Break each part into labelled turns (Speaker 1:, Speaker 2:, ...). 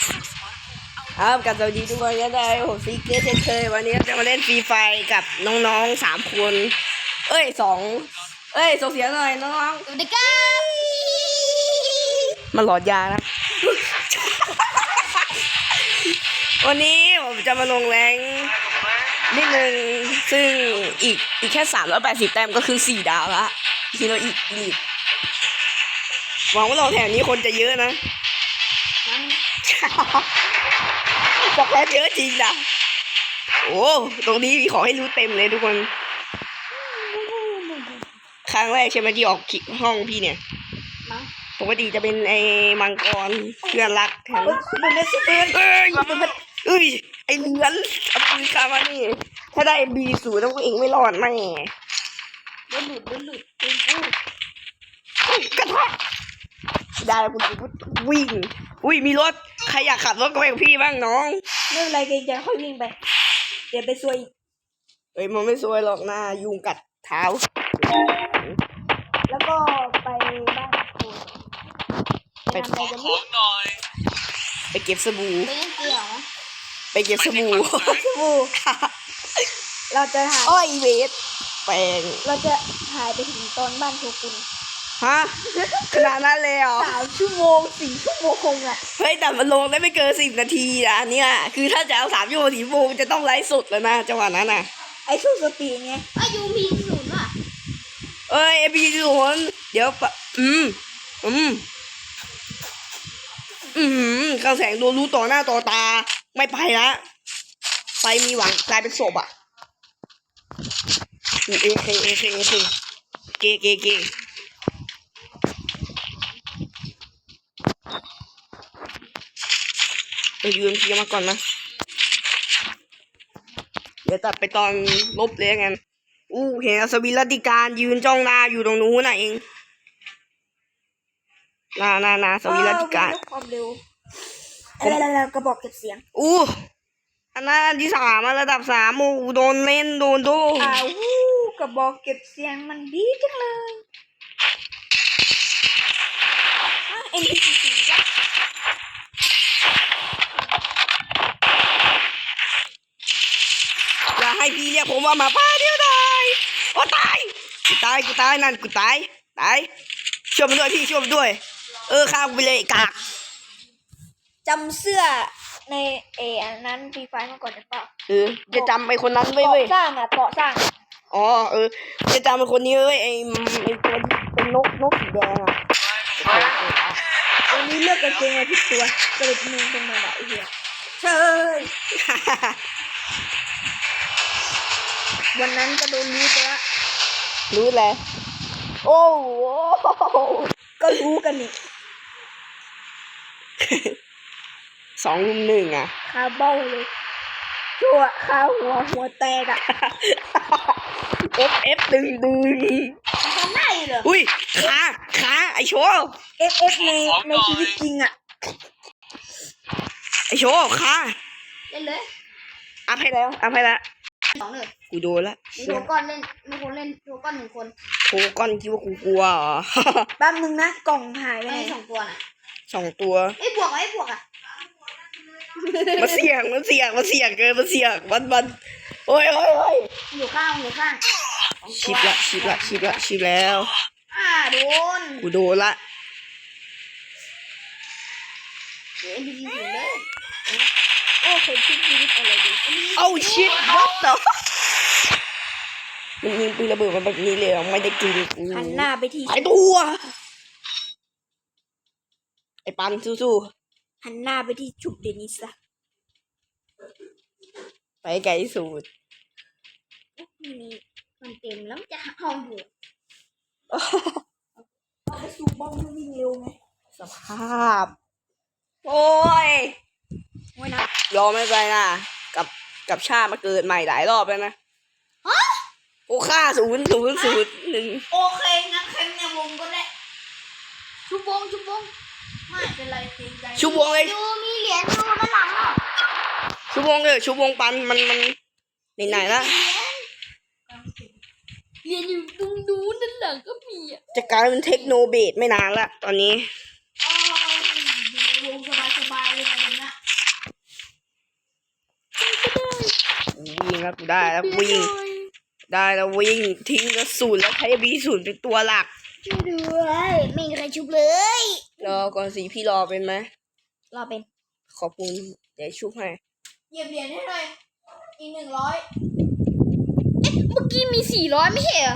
Speaker 1: ครับกับสวัสดีทุกคนก็ได้ผมซีเกอร์เช่นเคยวันนี้จะมาเล่นฟรีไฟกับน้องๆ3 คนส่งเสียงหน่อยน้อง
Speaker 2: สวัสดีครับ
Speaker 1: ๆมันหลอดยานะ วันนี้ผมจะมาลงแรงนิดนึงซึ่งอีกแค่380 แต้มก็คือ4 ดาวละทีเราอีกหวังว่าเราแถวนี้คนจะเยอะนะบอกแล้วเยอะจริงนะโอ้ตรงนี้มีของให้รู้เต็มเลยทุกคนครั้งแรกใช่ไหมที่ออกห้องพี่เนี่ยปกติจะเป็นไอ้มังกรเพื่อนรักแถมไอ้เลือนเอาปืนคามานี่ถ้าได้B0แล้วก็เองไม่รอดแน่
Speaker 2: โดนหลุดเป็นกู
Speaker 1: กระทะได้แล้วคุณวิ่งมีรถใครอยากขับรถก็ไปกับพี่บ้างน้อง
Speaker 2: ไม่เป็นไรเกรงใจค่อยวิ่งไปเดี๋ยวไปซวยอีก
Speaker 1: มันไม่ซวยหรอกนะยุงกัดเท้า
Speaker 2: แล้วก็ไปบ้านโคนไปทำอะไรกันเนี่ย
Speaker 1: ไปเก็บสบู่
Speaker 2: ไปเล่นเกี่ยวนะ
Speaker 1: ไปเก็บสบู่
Speaker 2: เราจะถ่าย
Speaker 1: อ้อยเวทแปลง
Speaker 2: เราจะถ่ายไปถึงตอนบ้านโชกุน
Speaker 1: ฮะขนาดนั้นเลยเหรอ
Speaker 2: 3 ชั่วโมง 4 ชั่วโมงอ่ะ
Speaker 1: เฮ้ยแต่มันลงได้ไม่เกิน10 นาทีนะเนี่ยคือถ้าจะเอา3 ชั่วโมง4 ชั่วโมงจะต้องไลฟ์สดแล้วนะจังหวะนั้นน่ะ
Speaker 2: ไอ้สู้สปีดไงยูมีศูนย์ว่ะ
Speaker 1: AP0เดี๋ยวข้างแสงโดนรู้ต่อหน้าต่อตาไม่ไปละไปมีหวังกลายเป็นศพอ่ะเอเคเกไปยืนพีมาก่อนนะเดี๋ยวตัดไปตอนลบเลยงั้นเห็นอัศวินรัตติการยืนจ้องหน้าอยู่ตรงนู้นน่ะเองนาอัศวินรัตติการ
Speaker 2: ความเร็วแล้วกระบอกเก็บเสียง
Speaker 1: อันนั้นที่3ระดับ3โดนเล่นโดนดู
Speaker 2: กระบอกเก็บเสียงมันดีจังเลยNPC วะ
Speaker 1: อย่าให้พี่เรียกผมว่าหมาป่าเดียวดายตายกูตายนั่นกูตายช่วยมันด้วยพี่ช่วยมันด้วยฆ่ากูไปเลยกาก
Speaker 2: จำเสื้อในอันนั้นฟรีไฟมาก่อนได้ป่ะ
Speaker 1: จะจำไอ้คนนั้นไว้เว้ย
Speaker 2: เกาะสร้าง
Speaker 1: จะจำไอ้คนนี้เว้ยไอ้ตัวเป็นนกสีแดง
Speaker 2: วันนี้เลือกกางเกงมาผิดตัวก็เลยมึงตรงมาไอ้เหี้ยเชยวันนั้นก็โดนรู้ไปละ
Speaker 1: รู้แล้วโอ้โห
Speaker 2: ก็รู้กันนี่
Speaker 1: 2-1อ่ะ
Speaker 2: คาเบ้าเลยชั่วคาหัวแตกอ่ะ
Speaker 1: F ดึง
Speaker 2: ทำได้เหรอ
Speaker 1: ขาไอโชว์
Speaker 2: FF ในชีวิตจริงอ่ะ
Speaker 1: ไอโชว์ขา
Speaker 2: เล่นเลย
Speaker 1: อัพให้แล้ว
Speaker 2: 2เลย
Speaker 1: กูโดนละ
Speaker 2: มีโทก้อนเล่นมีคนเล่นโทก้อน1 คน
Speaker 1: โทก้อนคิดว่ากูกลัวเหรอ
Speaker 2: แป๊บนึงนะกล่องหายไปไหน2 ตัวน่ะ
Speaker 1: 2 ตัว
Speaker 2: บวกอ่ะ
Speaker 1: มันเสี่ยงเกินมันโอ้ย
Speaker 2: อยู่ข้าง
Speaker 1: ชิบแล้ว
Speaker 2: โดน
Speaker 1: กูโดนละ
Speaker 2: NPC ถึงเลยเคยคิดชีวิตอะไรดี
Speaker 1: ชิบwhat the มันยิงปืนระเบิดมาแบบนี้เลยไม่ได้กิน
Speaker 2: หันหน้าไปที่
Speaker 1: ไอตัวไอปันสู้
Speaker 2: หันหน้าไปที่จุดเดนิสอะ
Speaker 1: ไปไกลสุด
Speaker 2: นี่มันเต็มแล้วจะห้องอยู่ไปสูบบอมวิ่งเร็วไง
Speaker 1: สภาพโอ้ย
Speaker 2: นะ
Speaker 1: รอไม่ไปนะกับชามาเกิดใหม่หลายรอบแล้วนะค่า0-0-1
Speaker 2: โอเคงั้นแค่ในวงก็ได้ชุบวงไม่เป็นไรเกรงใจ
Speaker 1: ชุบวงเลย
Speaker 2: มีเหรียญอยู่ด้านหลังอ่ะ
Speaker 1: ชุบวงปันมันไหนละ
Speaker 2: เหรียญอยู่ตรงนู้นด้านหลังก็มีอ่ะ
Speaker 1: จะกลายเป็นเทคโนเบดไม่นานละตอนนี้
Speaker 2: วงสบายเลยนะ
Speaker 1: แล้วกูได้แล้ววิ่งได้แล้ววิ่งทิ้งกระสุนแล้วใช้บีศูนย์เป็นตัวหลัก
Speaker 2: ช่วยด้วยไม่มีใครชุบเลย
Speaker 1: รอก่อนสิพี่รอเป็นไหม
Speaker 2: รอเป็น
Speaker 1: ขอบคุณเดี๋ยวชุบให้
Speaker 2: เหยียบเหรียญให้หน่อยอีก100เอ๊ะเมื่อกี้มี400ไม่ใช่เหรอ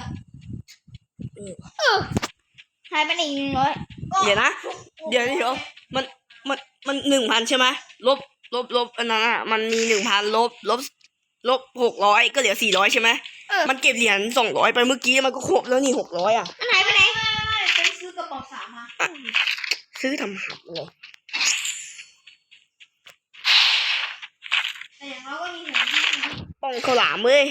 Speaker 2: หายไปไหนอีก100
Speaker 1: เดี๋ยวนะเดี๋ยวมัน1,000ใช่ไหมลบอันนั้นอ่ะมันมี1,000ลบ600ก็เหลือ400ใช่ไหมมันเก็บเหรียญ200ไปเมื่อกี้มันก็ครบแล้วนี่600อ่ะ
Speaker 2: มันหายไปไหนไปซื้อกระป๋อง3มา
Speaker 1: ซื้อทำหักเลย
Speaker 2: แต่อย่างน้อยก็มีหัวที่ดี
Speaker 1: ป้องข้าวหลามเว้ย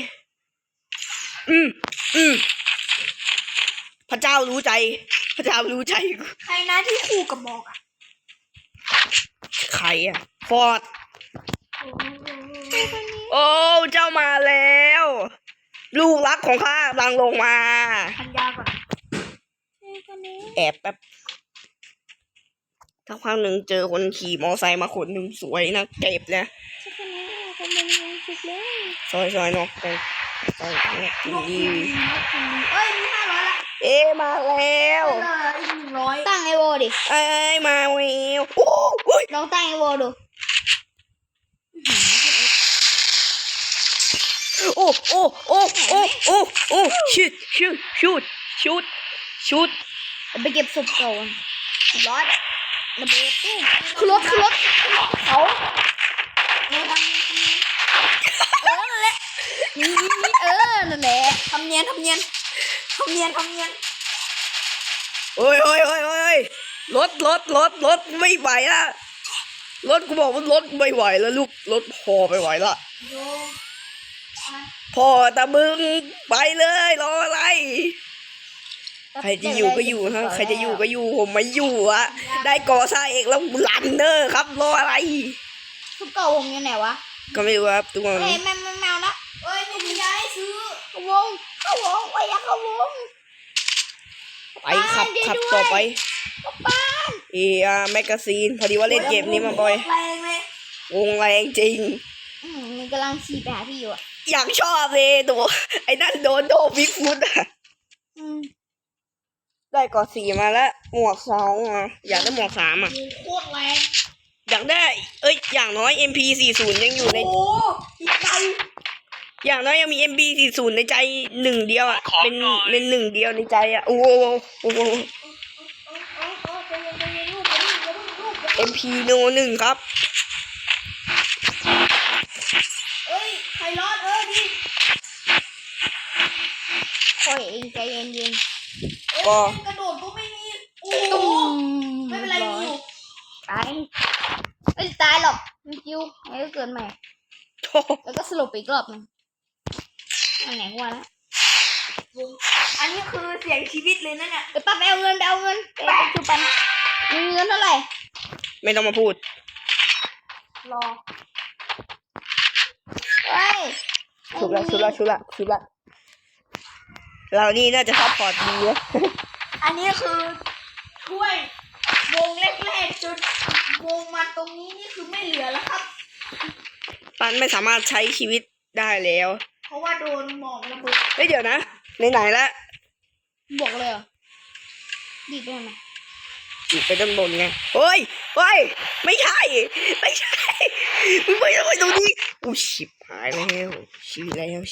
Speaker 1: อืมพระเจ้ารู้ใจพระเจ้ารู้ใจ
Speaker 2: ใครนะที่คู่กับบอกอ่ะ
Speaker 1: ใครอ่ะฟอร์ดโอ้เจ้ามาแล้ว ลูกรักของข้ากำลังลงมา
Speaker 2: พันยาก่อน
Speaker 1: แอบแป๊บถ้าครั้งหนึ่งเจอคนขี่มอไซค์มาคนหนึ่งสวยนะเก็บนะซอยเนาะไปดี
Speaker 2: เอ้ยมี500ละ
Speaker 1: เอ๊มาแล้ว
Speaker 2: อีก100ตั้งไอโวดิ
Speaker 1: เอ้ยมาแล้วโอ้ย
Speaker 2: ลองตั้งไอโวดู
Speaker 1: โอ้ชุด
Speaker 2: ไปเก็บศพเก่าร้อยระเบิดตู้คือรถเขานั่นแหละนั่นแหละทำเนียน
Speaker 1: โอ้ยรถไม่ไหวละรถกูบอกว่ารถไม่ไหวแล้วลูกรถพอไม่ไหวละ
Speaker 2: โย
Speaker 1: พอแต่มึงไปเลยรออะไรใครจะอยู่ก็อยู่ฮะใครจะอยู่ก็อยู่ผมไม่อยู่อะได้ก่อสร้างเองแล้วลันเนอร์ครับรออะไร
Speaker 2: ทุกเก่าผมอยู่ไหนวะ
Speaker 1: ก็ไม่รู้ครับทุกคน
Speaker 2: เฮ้ยแมวนะเอ้ยไม่มียาให้ซื้อเข้าวงไว้อยากเข้าวง
Speaker 1: ไปขับต่อไป
Speaker 2: บ้าน
Speaker 1: แมกกาซีนพอดีว่าเล่นเกมนี้มาบ่อย
Speaker 2: แรงเลยว
Speaker 1: งแรงจริง
Speaker 2: มันกำลังขี่ไปหาพี่อยู่อ่ะ
Speaker 1: อยากชอบเลยตัวไอ้นั่นโดนโดบิ๊กฟุตอะได้ก่อ4มาแล้วหมวก2อ่ะอยากได้หมวก3อ่ะ
Speaker 2: โคตรแรง
Speaker 1: อยากได้อย่างน้อย MP40 ยังอยู่ใน
Speaker 2: โอ้อีกไกล
Speaker 1: อย่างน้อยยังมี MP40 ในใจหนึ่งเดียวอ่ะเป็นหนึ่งเดียวในใจอ่ะโอ้โห MP โน1ครับ
Speaker 2: เอ้ยใครรอดดิคอยเองใจเย็นๆ
Speaker 1: ก็
Speaker 2: กระโดดก็ไม่มีโอ้โหไม่เป็นไรอยู่ตายไม่ตายหรอกมันคิวไม่ก็เกินใหม่แล้วก็สลบไปอีกรอบนึงอันไหนวะนะอันนี้คือเสียงชีวิตเลยนะเนี่ยไปป้าไปเอาเงินไปจุปันมีเงินเท่าไหร่
Speaker 1: ไม่ต้องมาพูด
Speaker 2: รอเฮ้ย
Speaker 1: ชุบละเรานี่น่าจะซัพพอร์ตดีนะ
Speaker 2: อันนี้คือช่วยวงแรกๆจนวงมาตรงนี้นี่คือไม่เหลือแล้วครับ
Speaker 1: ปันไม่สามารถใช้ชีวิตได้แล้ว
Speaker 2: เพราะว่าโดนหมอกระเบิด
Speaker 1: เดี๋ยวนะไหนๆแล้ว
Speaker 2: บอกเลยเหรอดีดไปไหม
Speaker 1: อยู่ไปด้านบนไงเฮ้ยไม่ใช่มึงไม่ต้องไปตรงนี้กูชิบหายแล้วชี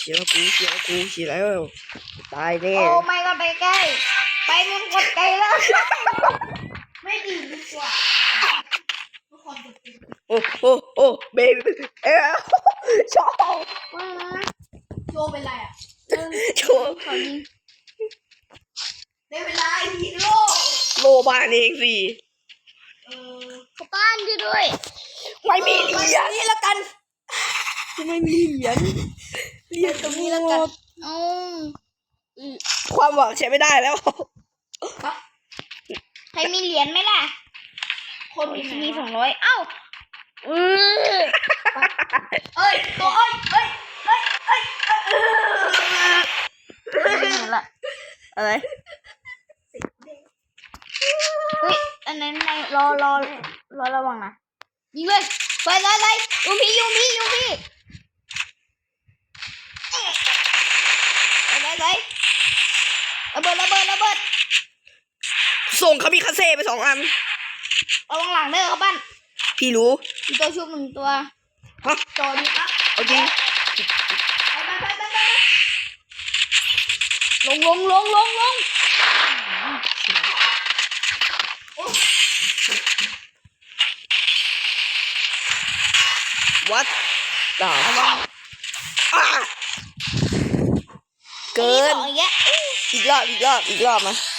Speaker 1: แล้วตายแน่
Speaker 2: โอ้ไม่ก็ไปใกล้ไปมันกดไกลแล้วไม่ดีดีกว่าทุกคนจะเป็น
Speaker 1: โอ้เบบี้ชอบ
Speaker 2: ว่านะโชว์เป็นไรอ่ะ
Speaker 1: โชว์
Speaker 2: ขอยิงได้เวลาฮีโร่
Speaker 1: โลบานเองสิ
Speaker 2: ขอบ้านด้วย
Speaker 1: ไม่มีเหรียญ
Speaker 2: นี่ละกัน
Speaker 1: ไม่มีเหรียญตรงนี้แล้วกัน
Speaker 2: อ๋อ
Speaker 1: ความหวังใช้ไม่ได้แล้ว
Speaker 2: ใครมีเหรียญไหมล่ะ คนมี200เอ้าตัวเห็นละ
Speaker 1: อะไร
Speaker 2: เฮ้ยอันนั้นในรอระวังนะยิงเลยไปยูพี่ใส่ระเบิดระเบิดระเบิด
Speaker 1: ส่งคามิคาเซ่ไป2 อัน
Speaker 2: เอาวางหลังเด้อครับบ้าน
Speaker 1: พี่รู้
Speaker 2: มีตัวชุบ1 ตัว
Speaker 1: ฮะ
Speaker 2: จอดีครับ
Speaker 1: เอาจริง
Speaker 2: ไปลงโอ้
Speaker 1: วัดด่าอ่ะเกิน
Speaker 2: อันนี้สองอีกแล้ว
Speaker 1: อีกรอบมา